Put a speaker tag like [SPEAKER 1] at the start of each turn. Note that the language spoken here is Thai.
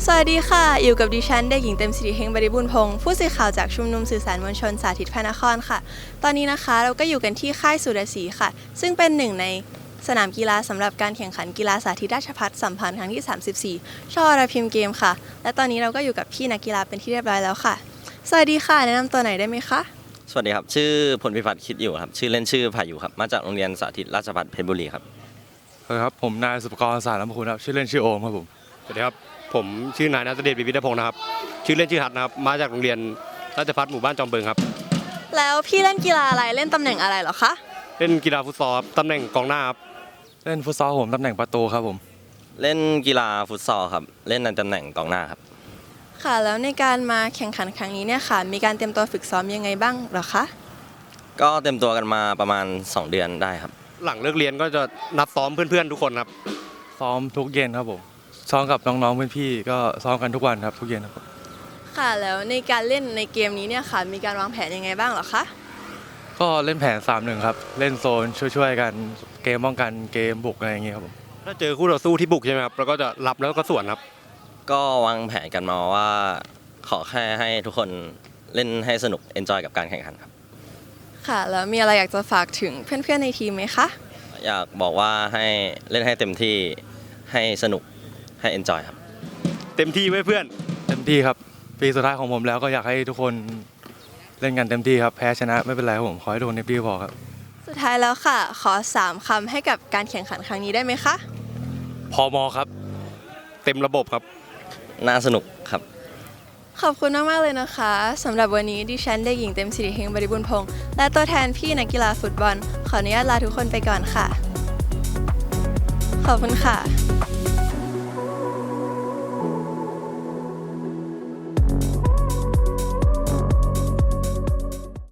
[SPEAKER 1] วัสดีค่ะอยู่กับดิฉันเด็กหญิงเต็มสิริเฮงบริบูรณ์พงศ์ผู้สื่อข่าวจากชุมนุมสื่อสารมวลชนสาธิตพระนครค่ะตอนนี้นะคะเราก็อยู่กันที่ค่ายสุรศรีค่ะซึ่งเป็นหนึ่งในสนามกีฬาสำหรับการแข่งขันกีฬาสาธิตราชภัฏสัมพันธ์ครั้งที่34ช่อระพิมพ์เกมค่ะและตอนนี้เราก็อยู่กับพี่นักกีฬาเป็นที่เรียบร้อยแล้วค่ะสวัสดีค่ะแนะนำตัวหน่อยได้ไหมคะ
[SPEAKER 2] สวัสดีครับชื่อพลพิพัฒน์คิดอยู่ครับชื่อเล่นชื่อพายุครับมาจากโรงเรียนสาธิตราชภัฏเพชรบุรีครับ
[SPEAKER 3] สวัสดีครับผมนายสุภกรสารลำพูนครับชื่อเล่นชื่อโอมครับผม
[SPEAKER 4] สวัสดีครับผมชื่อนายณัฐเดช วิวิธพงศ์นะครับชื่อเล่นชื่อฮัทนะครับมาจากโรงเรียนราชภัฏหมู่บ้านจอมเบิงครับ
[SPEAKER 1] แล้วพี่เล่นกีฬาอะไรเล่นตำแหน่งอะไรเหรอคะ
[SPEAKER 4] เล่นกีฬาฟุตซอลครับตำแหน่งกองหน้าครับ
[SPEAKER 3] เล่นฟุตซอลผมตำแหน่งประตูครับผม
[SPEAKER 2] เล่นกีฬาฟุตซอลครับเล่นในตำแหน่งกองหน้าครับ
[SPEAKER 1] ค่ะแล้วในการมาแข่งขันครั้งนี้เนี่ยค่ะมีการเตรียมตัวฝึกซ้อมยังไงบ้างเหรอคะ
[SPEAKER 2] ก็เต็มตัวกันมาประมาณ2 เดือนได้ครับ
[SPEAKER 4] หลังเลิกเรียนก็จะนัดซ้อมเพื่อนๆทุกคนครับ
[SPEAKER 3] ซ้อมทุกเย็นครับผมซ้อมกับน้องๆพี่ๆก็ซ้อมกันทุกวันครับทุกเย็นครับ
[SPEAKER 1] ค่ะแล้วในการเล่นในเกมนี้เนี่ยค่ะมีการวางแผนยังไงบ้างเหรอคะ
[SPEAKER 3] ก็เล่นแผน 3-1 ครับเล่นโซนช่วยๆกันเกมป้องกันเกมบุกอะไรอย่างเงี้ยครับผม
[SPEAKER 4] ถ้าเจอคู่ต่อสู้ที่บุกใช่ไหมครับเราก็จะรับแล้วก็สวนครับ
[SPEAKER 2] ก็วางแผนกันมาว่าขอแค่ให้ทุกคนเล่นให้สนุกเอนจอยกับการแข่งขันครับ
[SPEAKER 1] ค่ะแล้วมีอะไรอยากจะฝากถึงเพื่อนๆในทีมไหมคะ
[SPEAKER 2] อยากบอกว่าให้เล่นให้เต็มที่ให้สนุกให้เอนจอยครับ
[SPEAKER 4] เต็มที่ไว้เพื่อน
[SPEAKER 3] เต็มที่ครับปีสุดท้ายของผมแล้วก็อยากให้ทุกคนเล่นกันเต็มที่ครับแพ้ชนะไม่เป็นไรครับผมขอให้ทุกคนเต็มที่พอครับ
[SPEAKER 1] สุดท้ายแล้วค่ะขอ3 คำให้กับการแข่งขันครั้งนี้ได้ไหมคะ
[SPEAKER 3] พมครับ
[SPEAKER 4] เต็มระบบครับ
[SPEAKER 2] น่าสนุกครับ
[SPEAKER 1] ขอบคุณมากๆเลยนะคะสำหรับวันนี้ดิฉันเด็กหญิงเต็มสิริเฮงบริบูรณ์พงศ์และตัวแทนพี่นักกีฬาฟุตบอลขออนุญาตลาทุกคนไปก่อนค่ะขอบคุณค่ะ